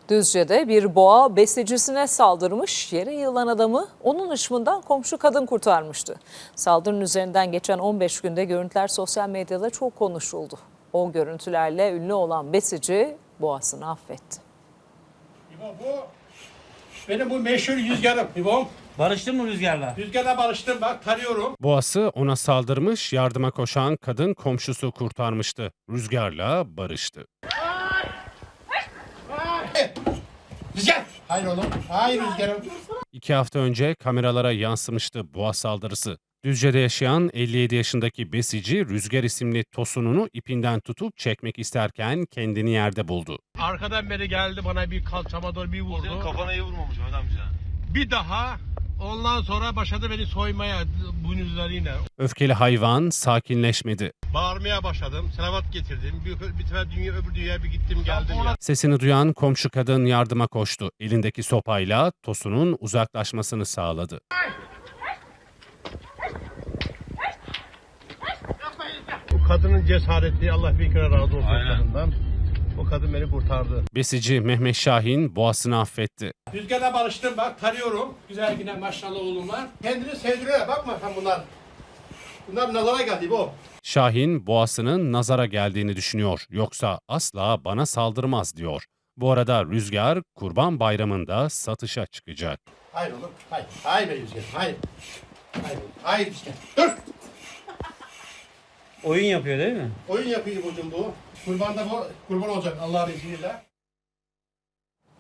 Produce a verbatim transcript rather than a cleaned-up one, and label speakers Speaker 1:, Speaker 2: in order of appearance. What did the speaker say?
Speaker 1: Düzce'de bir boğa besicisine saldırmış, yere yığılan adamı onun hışmından komşu kadın kurtarmıştı. Saldırının üzerinden geçen on beş günde görüntüler sosyal medyada çok konuşuldu. O görüntülerle ünlü olan besici boğasını affetti.
Speaker 2: İbo bu benim bu meşhur rüzgarım İbo'm.
Speaker 3: Barıştın mı rüzgarla?
Speaker 2: Rüzgarla barıştım, bak tarıyorum.
Speaker 4: Boğası ona saldırmış, yardıma koşan kadın komşusu kurtarmıştı. Rüzgarla barıştı.
Speaker 2: Rüzgar! Hayır oğlum, hayır rüzgarım.
Speaker 4: İki hafta önce kameralara yansımıştı boğa saldırısı. Düzce'de yaşayan elli yedi yaşındaki besici Rüzgar isimli tosununu ipinden tutup çekmek isterken kendini yerde buldu.
Speaker 2: Arkadan beri geldi, bana bir kalçama doğru bir vurdu.
Speaker 5: Senin kafana iyi vurmamış Mehmet amca.
Speaker 2: Bir daha ondan sonra başladı beni soymaya boynuzlarıyla.
Speaker 4: Öfkeli hayvan sakinleşmedi.
Speaker 2: Bağırmaya başladım, selavat getirdim. Bir, bir sefer dünya öbür dünyaya bir gittim geldim ya.
Speaker 4: Sesini duyan komşu kadın yardıma koştu. Elindeki sopayla tosunun uzaklaşmasını sağladı.
Speaker 2: Bu kadının cesareti, Allah bir kere razı olsun
Speaker 5: Aynen.
Speaker 2: kadından. O kadın beni kurtardı.
Speaker 4: Besici Mehmet Şahin boğasını affetti.
Speaker 2: Rüzgarla barıştım, bak tarıyorum. Güzel yine maşallah oğlum var. Kendini sevdiriyor, bakma sen bunlar. Bunlar nazara geldi bu.
Speaker 4: Şahin boğasının nazara geldiğini düşünüyor. Yoksa asla bana saldırmaz diyor. Bu arada Rüzgar Kurban Bayramı'nda satışa çıkacak.
Speaker 2: Hayır oğlum, hayır. Hayır be Rüzgar, hayır. Hayır, hayır Rüzgar. Dur!
Speaker 3: Oyun yapıyor değil mi?
Speaker 2: Oyun yapıyor bugün bu. Kurbanda bu, kurban olacak Allah'ın izniyle.